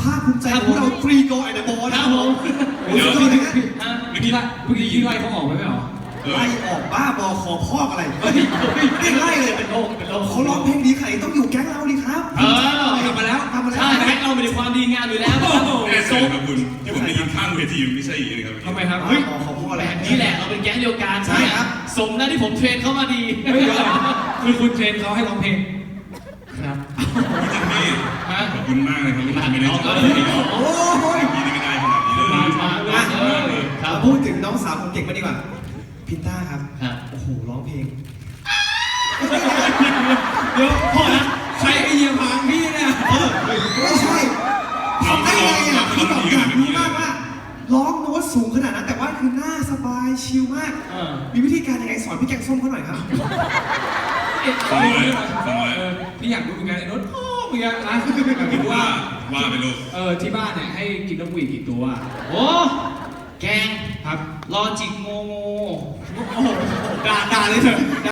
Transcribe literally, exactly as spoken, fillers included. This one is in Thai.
าคภูมิใจของเราทรีโกไอเดอะบอลนะครับผมเดี๋ยวเมื่อกี้เมื่อกี้เมื่อกี้ไล่เขาออกไปไหมหรอไล่ออกบ้าบอขอพอกอะไรไม่ไล่เลยเป็นโลกเป็นโลกเขาร้องเพลงดีขนาดนี้ต้องอยู่แก๊งเราดิครับเออกลับมาแล้วกลับมาแล้วใช่แก๊งเราเป็นความดีงามอยู่แล้วแน่ใจครับคุณที่ผมได้ยินข้างเวทีไม่ใช่อย่างนี้ครับทำไมครับเฮ้ยขอพอกอะไรนี่แหละเราเป็นแก๊งเดียวกันใช่ครับสมนะที่ผมเทรนเข้ามาดีไม่เหรอคือคุณเทรนเขาให้ร้องเพลงครับพี่จิมมี่ขอบคุณมากเลยครับที่ไม่ได้ช่วยโอ้ยพี่นี่ไม่ได้ขนาดนี้เลยมามาเลยครับพูดถึงน้องสาวคนเก่งมาดีกว่าพินต้าครับโอ้โหร้องเพลงเดี๋ยวพ่อนะใครไอเยี่ยมหางพี่เนี่ยเออไม่ใช่ทำได้ไงอ่ะพี่บอกอยากรู้มากว่าร้องโน้ตสูงขนาดนั้นแต่ว่าคือหน้าสบายชิลมากมีวิธีการยังไงสอนพี่แกงส้มเขาหน่อยครับฟังไว้ฟังไว้พี่อยากรู้เหมือนกันไอ้โน้ตพ่อเหมือนกันนะคิดว่าว่าไปลูกเออที่บ้านเนี่ยให้กินนกหวีดกี่ตัวโอ้แกงครับลอจิกโงโงโอ้โหด่าด่าเลยเถอะ